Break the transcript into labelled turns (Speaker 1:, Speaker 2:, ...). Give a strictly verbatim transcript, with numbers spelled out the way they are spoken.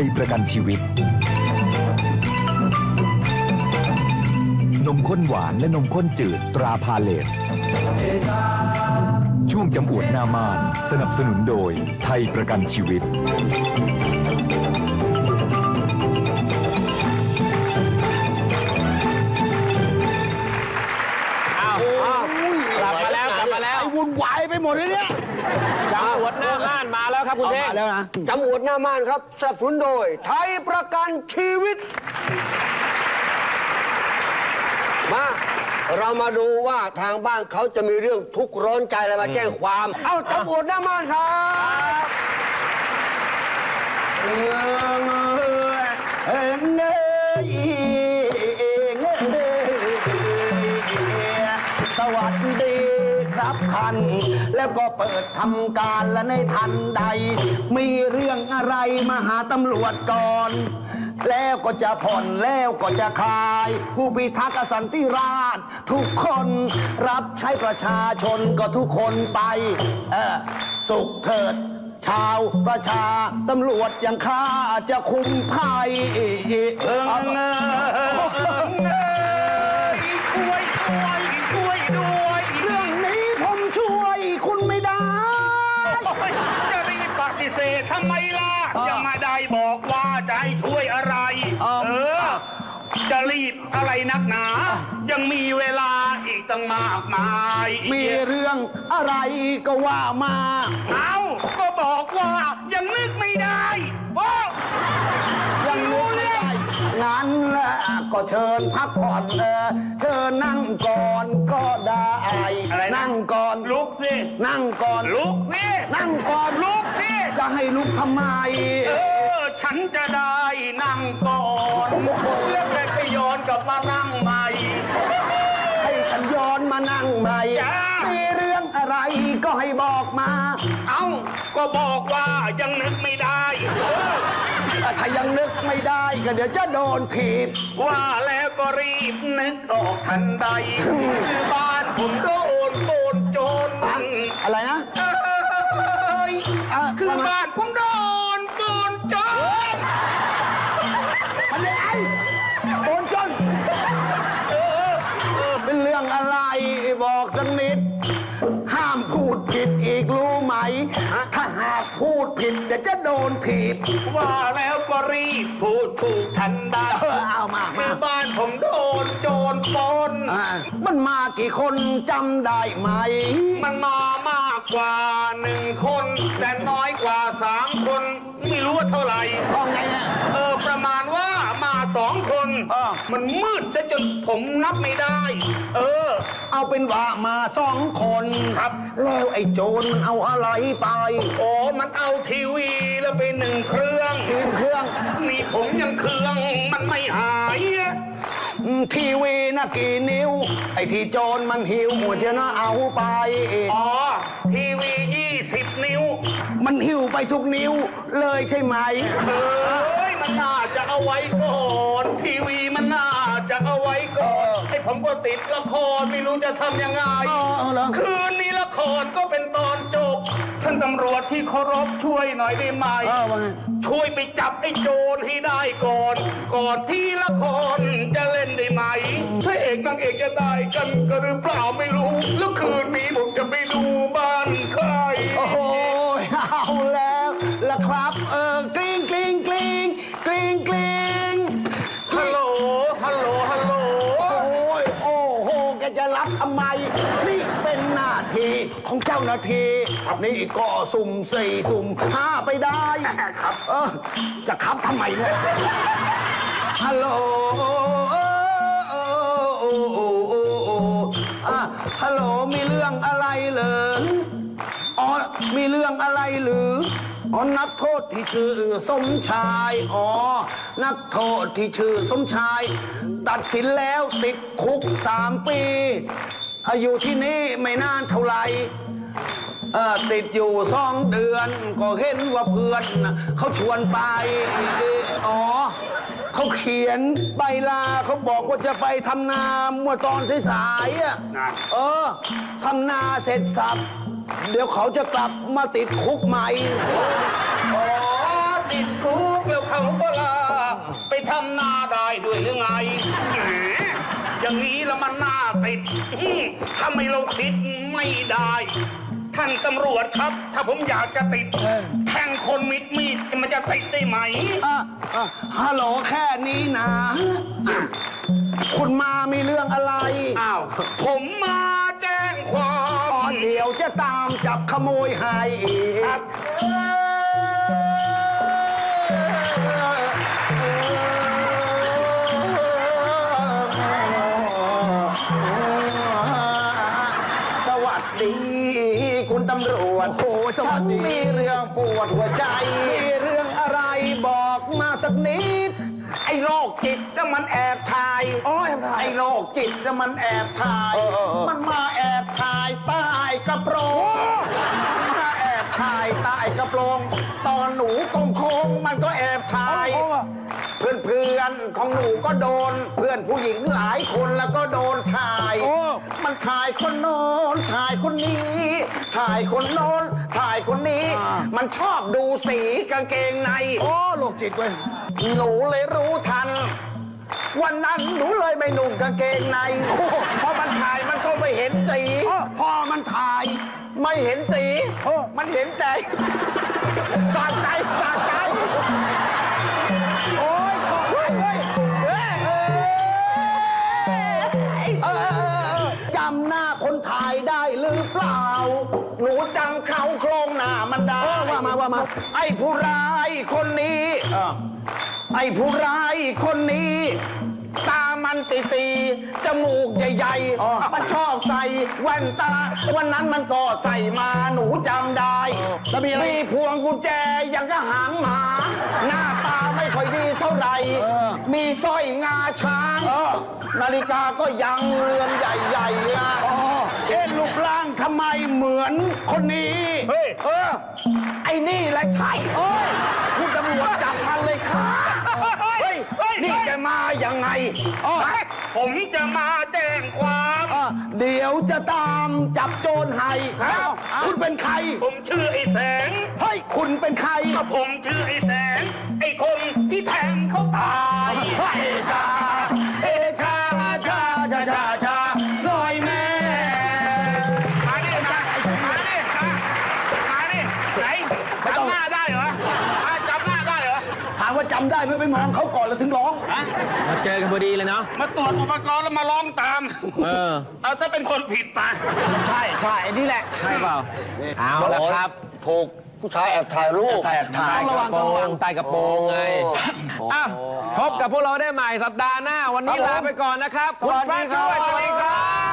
Speaker 1: ยประกันชีวิตนมข้นหวานและนมข้นจืดตราพาเลสช่วงจำอวดหน้าม่านสนับสนุนโดยไทยประกันชีวิต
Speaker 2: อ้าวกลับมาแล้วกลับมาแล้ว
Speaker 3: วุ่นวายไปหมดเลยเนี่ย
Speaker 2: จำอวดหน้าม่านมาแล้วครับคุณเท่ง
Speaker 3: มาแล้วนะ
Speaker 4: จำอวดหน้าม่านครับสนับสนุนโดยไทยประกันชีวิต มาเรามาดูว่าทางบ้านเขาจะมีเรื่องทุกข์ร้อนใจอะไรมาแจ้งความ เอ้าจำอวดหน้าม่านครับเออเออเงยสวัสดีครับท่านแล้วก็เปิดทำการและในทันใด มีเรื่องอะไรมาหาตำรวจก่อน แล้วก็จะผ่อนแล้วก็จะคลาย ผู้พิทักษ์สันติราษฎร์ทุกคนรับใช้ประชาชนก็ทุกคนไปเออสุขเถิดชาวประชาตำรวจอย่างข้าจะคุมภัยเออเงยช่วยช่วยช่วยด้วยเรื่องนี้ผมช่วยคุณไม่ได้
Speaker 5: จะรีบปฏิเสธทำไมล่ะยังมาได้บอกว่าจะให้ช่วยอะไรเออจะรีบอะไรนักหนา ยังมีเวลาอีกตั้งมากมาย
Speaker 4: มีเรื่องอะไรก็ว่ามา
Speaker 5: เอาก็บอกว่ายังนึกไม่ได้โอ้
Speaker 4: ยังนึกไม่ได้งั้นก็เชิญพักผ่อนเออเชิญนั่งก่อนก็ได้อะไรนั่งก่อน
Speaker 5: ลุกสิ
Speaker 4: นั่งก่อน
Speaker 5: ลุกสิ
Speaker 4: นั่งก่อน
Speaker 5: ลุกสิ
Speaker 4: จะให้ลุกทำไม
Speaker 5: เออฉันจะได้นั่งก่อนแล้วแต่ก็ย้อนกลับมานั่งใหม่
Speaker 4: ให้ฉันย้อนมานั่งใหม่มีเรื่องอะไรก็ให้บอกมา
Speaker 5: เอ้าก็บอกว่ายังนึกไม่ได้
Speaker 4: ถ้ายังนึกไม่ได้ก็เดี๋ยวจะโดนถีบ
Speaker 5: ว่าแล้วก็รีบนึกออกทันใดคือบ้านผมโดนโดนโจร
Speaker 4: อะไรนะ
Speaker 5: คือบ้านผมโดนโดนโจร
Speaker 4: มันยังไงโดนโจรเป็นเรื่องอะไรบอกสักนิดห้ามพูดผิดอีกรู้ไหมถ้าหากพูดผิดเดี๋ยวจะโดนถีบ
Speaker 5: ว่าแล้วก็รีบพูดถูกทันใด
Speaker 4: เอามา
Speaker 5: คือบ้านผมโดนโจรปล้น
Speaker 4: มันมากี่คนจำได้ไหม
Speaker 5: มันมามากกว่าหนึ่งคนแต่น้อยกว่าสามคนไม่รู้ว่าเท่าไหร่
Speaker 4: เพราะไงเนี่ย
Speaker 5: เออประมาณว่ามาสองคนมันมืดซะจนผมนับไม่ได้เออ
Speaker 4: เอาเป็นว่ามาสองคน
Speaker 5: ครับ
Speaker 4: แล้วไอ้โจรมันเอาอะไรไป
Speaker 5: โอ้มันเอาทีวีแล้วไปหนึ่งเครื่อง
Speaker 4: หนึ่งเครื่อง
Speaker 5: นี่ผมยังเครื่องมันไม่หาย
Speaker 4: ทีวีน่ะกี่นิ้วไอ้ที่โจรมันหิวหัวเจ้านะเอาไป
Speaker 5: อ๋อทีวียี่สิบนิ้ว
Speaker 4: มันหิวไปทุกนิ้วเลยใช่ไหม
Speaker 5: เอ้ยมันน่าจะเอาไว้ก่อนทีวีมันน่าจะเอาไว้ก่อนไอ้ผมก็ติดละครไม่รู้จะทำยังไงคืนนี้ละครก็เป็นตอนจบท่านตำรวจที่เคารพช่วยหน่อยได้ไหมช่วยไปจับไอ้โจรให้ได้ก่อนก่อนที่ละครจะเล่นได้ไหมพระเอกนางเอกจะได้กันก็หรือเปล่าไม่รู้แล้วคืนนี้ผมจะไปดูบ้านใคร
Speaker 4: โอ้โหเอาแล้วละครับเออกลิ้งกลิ้งกลิ้งกลิ้งกลิ้ง
Speaker 5: ฮัลโหลฮัลโหลฮัลโหล
Speaker 4: โอ้ยโอ้โหแกจะรับทำไมนี่เป็นหน้าที่ของเจ้าหน้าที่นี่ก็สุ่มสี่สุ่มห้าไปได้
Speaker 5: ครับ
Speaker 4: เออจะครับทำไมเนี่ยฮัลโหลฮัลโหลมีเรื่องอะไรเหรออ๋อมีเรื่องอะไรหรืออ๋อนักโทษที่ชื่อสมชายอ๋อนักโทษที่ชื่อสมชายตัดสินแล้วติดคุกสามปีอายุที่นี่ไม่นานเท่าไหร่ติดอยู่สองเดือนก็เห็นว่าเพื่อนเขาชวนไปอ๋อเขาเขียนใบลาเขาบอกว่าจะไปทำนาเมื่อตอนสายๆอ่ะเออทำนาเสร็จสับเดี๋ยวเขาจะกลับมาติดคุกใหม่
Speaker 5: อ๋อติดคุกแล้วเขาก็ด้วยหรือไงแหมอย่างนี้แล้วมันน่าติดอื้อทำไมเราคิดไม่ได้ ท่านตำรวจครับ ถ้าผมอยากจะติดแทงคนมิดมีดมันจะติดได้ไหม
Speaker 4: อ่ะอ่ะฮัลโหลแค่นี้นะอ่ะคุณมามีเรื่องอะไร
Speaker 5: อ้าว ผมมาแจ้งความ
Speaker 4: อ๋อเดี๋ยวจะตามจับขโมยให้อีก
Speaker 5: ครับ
Speaker 4: สวัสดี คุณตำรวจ โอ้ฉันมีเรื่องปวดหัวใจ มีเรื่องอะไรบอกมาสักนิด
Speaker 5: ไอ้โรคจิตน่ะมันแอบถ่าย
Speaker 4: โอ้ยทำไม
Speaker 5: ไอ้โรคจิตน่ะมันแอบถ่าย
Speaker 4: เออเออเออ
Speaker 5: มันมาแอบถ่ายใต้กระโปรงมาแอบถ่ายใต้กระโปรง ตอนหนูกงโค้งมันก็แอบถ่าย เพื่อนเพื่อนๆของหนูก็โดน เพื่อนผู้หญิงหลายคนแล้วก็โดนถ่าย
Speaker 4: โอ้
Speaker 5: มันถ่ายคนโน้นถ่ายคนนี้ ถ่ายคนโน้นถ่ายคนนี้ มันชอบดูสีกางเกงใน
Speaker 4: โอ้โรคจิตเว้ย
Speaker 5: หนูเลยรู้ทัน วันนั้นหนูเลยไม่นุ่งกางเกงในเพราะมันถ่ายมันก็ไม่เห็นสี
Speaker 4: พอมันถ่าย
Speaker 5: ไม่เห็นสี
Speaker 4: เออ
Speaker 5: มันเห็นใจสะใจสะใจ
Speaker 4: โอ้ยขอเฮ้ยเฮ้ย
Speaker 5: เอ้ย
Speaker 4: เออเออเออจำหน้าคนถ่ายได้หรือเปล่า
Speaker 5: หนูจำเขาโครงหน้ามันได้
Speaker 4: เออว่ามาว่ามา
Speaker 5: ไอ้ผู้ร้ายคนนี้ ไอ้ผู้ร้ายคนนี้ ตามันตีตีๆจมูกใหญ่
Speaker 4: อ๋อ
Speaker 5: ๆ มันชอบใส่แว่นตา วันนั้นมันก็ใส่มาหนูจำได้
Speaker 4: แล้วมีอะไร
Speaker 5: มีพวงกุญแจอย่างก็หางหมา หน้าตาไม่ค่อยดีเท่าไหร่
Speaker 4: เออ
Speaker 5: มีสร้อยงาช้าง
Speaker 4: เออ
Speaker 5: นาฬิกาก็ยังเรือนใหญ่ๆอะ
Speaker 4: อ๋อเอ๊ะรูปร่างทำไมเหมือนคนนี้
Speaker 5: เฮ้ย เออ ไอ้นี่แหละใช่เอ้ยคุณตำรวจจับมันเลยค่ะเฮ้ย นี่แกมายังไง
Speaker 4: อ๋อ
Speaker 5: ผมจะมาแจ้งความ
Speaker 4: อ่ะเดี๋ยวจะตามจับโจรให้
Speaker 5: ครับ
Speaker 4: เอ้าคุณเป็นใคร
Speaker 5: ผมชื่อไอ้แสง
Speaker 4: เฮ้ย คุณเป็นใคร
Speaker 5: ก็ผมชื่อไอ้แสง ไอ้คนที่แทงเขาตาย
Speaker 4: เฮ้ย
Speaker 5: เอชา เอชาชาชาชาชาลอยแม่มาดิมามาดิมามาดิไหนจำหน้าได้เหรออ่ะจำหน้าได้เหรอ
Speaker 4: ถามว่าจำได้ไหมไปมองเขาก่อนแล้วถึงร้อง
Speaker 2: มาเจอกันพอดีเลยเนาะ
Speaker 5: มาตรวจอุปกรณ์แล้วมาร้องตาม
Speaker 2: เออ
Speaker 5: เอาถ้าเป็นคนผิดไป
Speaker 4: ใช่ใช่นี่แหละ
Speaker 2: ใช่เปล่า เอาละครับ
Speaker 4: ถูกผู้ชายแอบถ่ายรูปแอบถ่าย
Speaker 2: ใต้กระโปรงใต้กระโปรงไงอ้าวพบกับพวกเราได้ใหม่สัปดาห์หน้า วันนี้ลาไปก่อนนะครับ
Speaker 4: สวัสดีครับ
Speaker 2: ณพระช่วยสวัสดีครับ